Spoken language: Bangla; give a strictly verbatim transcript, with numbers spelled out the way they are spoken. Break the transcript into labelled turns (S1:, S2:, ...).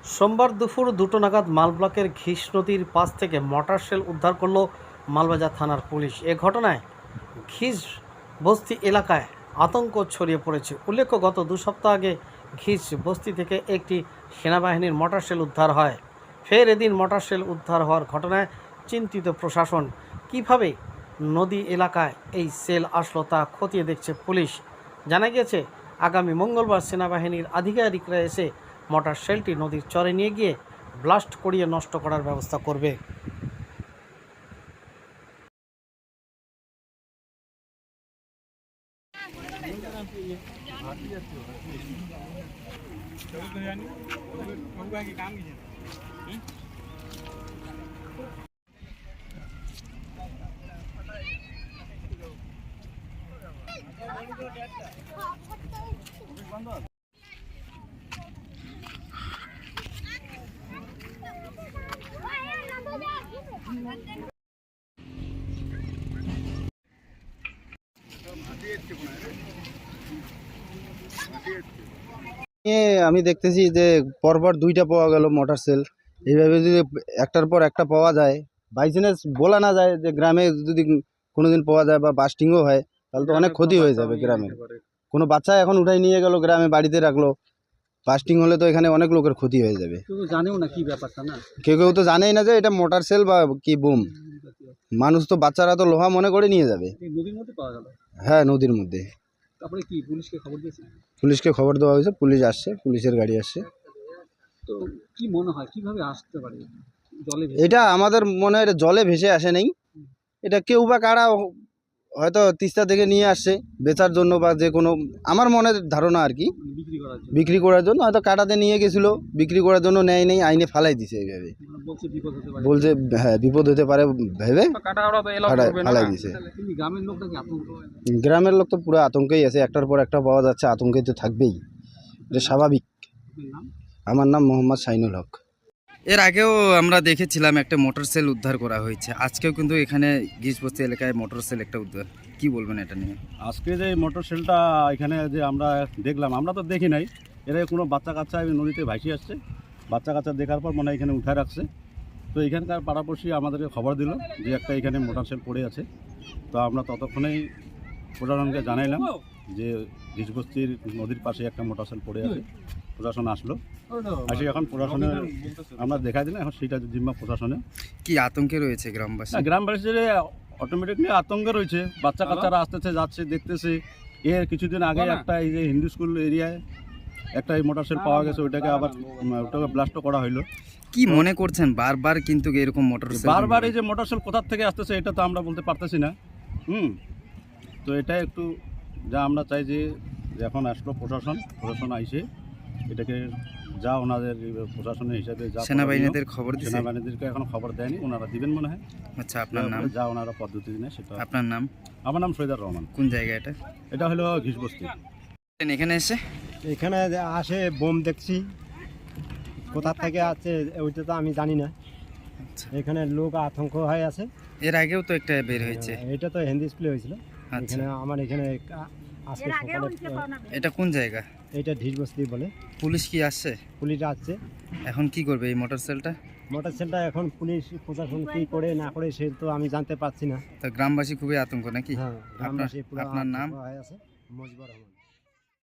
S1: সোমবার দুপুর দুটো নাগাদ মালব্লকের ঘিস নদীর পাশ থেকে মর্টার শেল উদ্ধার করল মালবাজার থানার পুলিশ। এ ঘটনায় ঘিস বস্তি এলাকায় আতঙ্ক ছড়িয়ে পড়েছে। উল্লেখ্য, গত দু সপ্তাহ আগে ঘিস বস্তি থেকে একটি সেনাবাহিনীর মর্টার শেল উদ্ধার হয়। ফের এদিন মর্টার শেল উদ্ধার হওয়ার ঘটনায় চিন্তিত প্রশাসন। কিভাবে নদী এলাকায় এই সেল আসলো তা খতিয়ে দেখছে পুলিশ। জানা গিয়েছে, আগামী মঙ্গলবার সেনাবাহিনীর আধিকারিকরা এসে মর্টার শেলটি নদীর চরে নিয়ে গিয়ে ব্লাস্ট করিয়ে নষ্ট করার ব্যবস্থা করবে।
S2: আমি দেখতেছি যে পরপর দুইটা পাওয়া গেল মোটর সেল। এইভাবে যদি একটার পর একটা পাওয়া যায়, বাই চান্স বলা না যায় যে গ্রামে যদি কোনোদিন পাওয়া যায় বা বাস্টিংও হয়, তাহলে তো অনেক ক্ষতি হয়ে যাবে গ্রামে। কোনো বাচ্চা এখন উঠাই নিয়ে গেল, গ্রামে বাড়িতে রাখলো, বাস্টিং হলে তো এখানে অনেক লোকের ক্ষতি হয়ে যাবে।
S3: জানেও না কি ব্যাপারটা, না
S2: কেউ কেউ তো জানেই না যে এটা মোটর সেল বা কি বুম। মানুষ তো, বাচ্চারা তো লোহা মনে করে নিয়ে যাবে।
S3: নদীর মধ্যে পাওয়া গেল।
S2: হ্যাঁ, নদীর মধ্যে।
S3: তারপরে কি পুলিশকে খবর দিয়েছে?
S2: পুলিশকে খবর দেওয়া হয়েছে, পুলিশ আসছে, পুলিশের গাড়ি আসছে।
S3: তো কি মনে হয় কিভাবে আসতে পারে জলে?
S2: এটা আমাদের মনে হয় জলে ভেসে আসে নাই, এটা কেউ বা কারা হয়তো তিস্তা থেকে নিয়ে আসছে বেচার জন্য বা যে কোনো, আমার মনের ধারণা আর কি,
S3: বিক্রি করার জন্য।
S2: বিক্রি করার জন্য হয়তো কাটাতে নিয়ে গেছিলো, বিক্রি করার জন্য নেয় নেই, আইনে ফালাই দিছে এইভাবে।
S3: বলছে বিপদ হতে পারে,
S2: বলছে হ্যাঁ বিপদ হতে পারে ভেবে ফালাই দিছে।
S3: কিন্তু গ্রামের লোক নাকি আতঙ্ক।
S2: গ্রামের লোক তো পুরো আতঙ্কেই আছে, একটার পর একটা পাওয়া যাচ্ছে, আতঙ্কে তো থাকবেই, এটা স্বাভাবিক। আমার নাম মোহাম্মদ শাইনুল হক।
S4: এর আগেও আমরা দেখেছিলাম একটা মোটর সেল উদ্ধার করা হয়েছে, আজকেও কিন্তু এখানে ঘিসবস্তি এলাকায় মোটর সেল একটা উদ্ধার। কি বলবেন এটা নিয়ে?
S5: আজকে যে মোটর সেলটা এখানে যে আমরা দেখলাম, আমরা তো দেখি নাই, এরা কোনো বাচ্চা কাচ্চা নদীতে ভাসি আসছে, বাচ্চা কাচ্চা দেখার পর মনে হয় এখানে উঠায় রাখছে। তো এখানকার পাড়াপড়শি আমাদেরকে খবর দিল যে একটা এখানে মোটর সেল পড়ে আছে। তো আমরা ততক্ষণেই প্রশাসনকে জানাইলাম যে ঘিসবস্তির নদীর পাশে একটা মোটর সেল পড়ে আছে। প্রশাসন আসলো, আসে এখন প্রশাসনে আমরা দেখা দিলাম, এখন সেটা জিম্মা প্রশাসনে।
S4: কি আতঙ্কে রয়েছে গ্রামবাসী?
S5: গ্রামবাসীর অটোমেটিকলি আতঙ্কে রয়েছে, বাচ্চা কাচ্চারা আসতেছে যাচ্ছে দেখতেছে। এর কিছুদিন আগে একটা এই যে হিন্দু স্কুল এরিয়ায় একটা এই মোটর সেল পাওয়া গেছে, ওইটাকে আবার ওটাকে ব্লাস্টও করা হইলো।
S4: কি মনে করছেন বারবার কিন্তু এরকম মোটর সেল
S5: বারবার এই যে মোটর সেল কোথা থেকে আসতেছে এটা তো আমরা বলতে পারতেছি না। হুম তো এটা একটু যা আমরা চাই যে এখন আসলো প্রশাসন, প্রশাসন আইসে এটাকে যা ওনাদের প্রশাসনের হিসাবে যা
S4: সেনাবাহিনীদের খবর দিয়েছে?
S5: সেনাবাহিনীদেরকে এখন খবর দেয়নি, ওনারা দিবেন মনে হয়।
S4: আচ্ছা, আপনার নাম?
S5: যা ওনারা পদ্ধতি নেয় সেটা।
S4: আপনার নাম?
S5: আমার নাম সৈয়দার রহমান।
S4: কোন জায়গা এটা?
S5: এটা হলো ঘিসবস্তি।
S4: এখানে এসে
S6: এখানে আসে বোম দেখছি, কোথা থেকে আছে ওইটা তো আমি জানি না। এখানে লোক আতঙ্ক হয়ে আছে।
S4: এর আগেও তো একটা বের হয়েছে,
S6: এটা তো হিন্দি স্কুলে হয়েছিল।
S4: আচ্ছা,
S6: এখানে আমার এখানে আজকে সকালে।
S4: এটা কোন জায়গা?
S6: এটা ঘিসবস্তি বলে।
S4: পুলিশ কি আসছে?
S6: পুলিশ আসছে।
S4: এখন কি করবে এই মোটর সেলটা?
S6: মোটর সেলটা এখন পুলিশ প্রশাসন কি করে না করে সে তো আমি জানতে পারছি না।
S4: তো গ্রামবাসী খুবই আতঙ্ক নাকি?
S6: হ্যাঁ, গ্রামবাসী পুরো
S4: আপনার নাম?
S6: হয়ে আছে। মজিবুর রহমান।